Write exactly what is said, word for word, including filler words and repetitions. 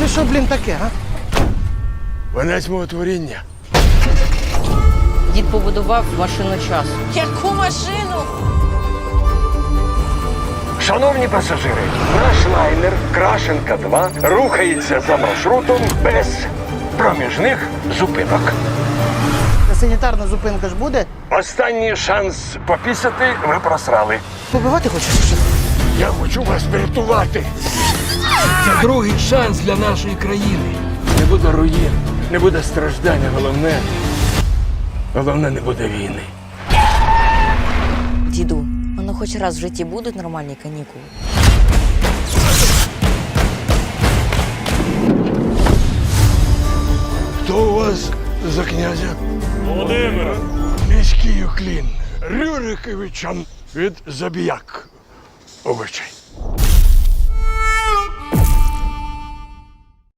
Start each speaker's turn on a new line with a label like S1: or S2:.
S1: Це що, блін, таке, а?
S2: Венець мого творіння.
S3: Дід побудував машину часу.
S4: Яку машину?
S2: Шановні пасажири, наш лайнер Крашенка два рухається за маршрутом без проміжних зупинок.
S1: Та санітарна зупинка ж буде?
S2: Останній шанс попісати ви просрали.
S1: Побивати хочеш? Що?
S2: Я хочу вас врятувати.
S5: Це другий шанс для нашої країни.
S2: Не буде руїн, не буде страждання. Головне, головне не буде війни.
S3: Діду, воно хоч раз в житті будуть нормальні канікули?
S2: Хто у вас за князя?
S6: Володимир!
S2: Міський уклін Рюриковичам від Забіяк. Обичай.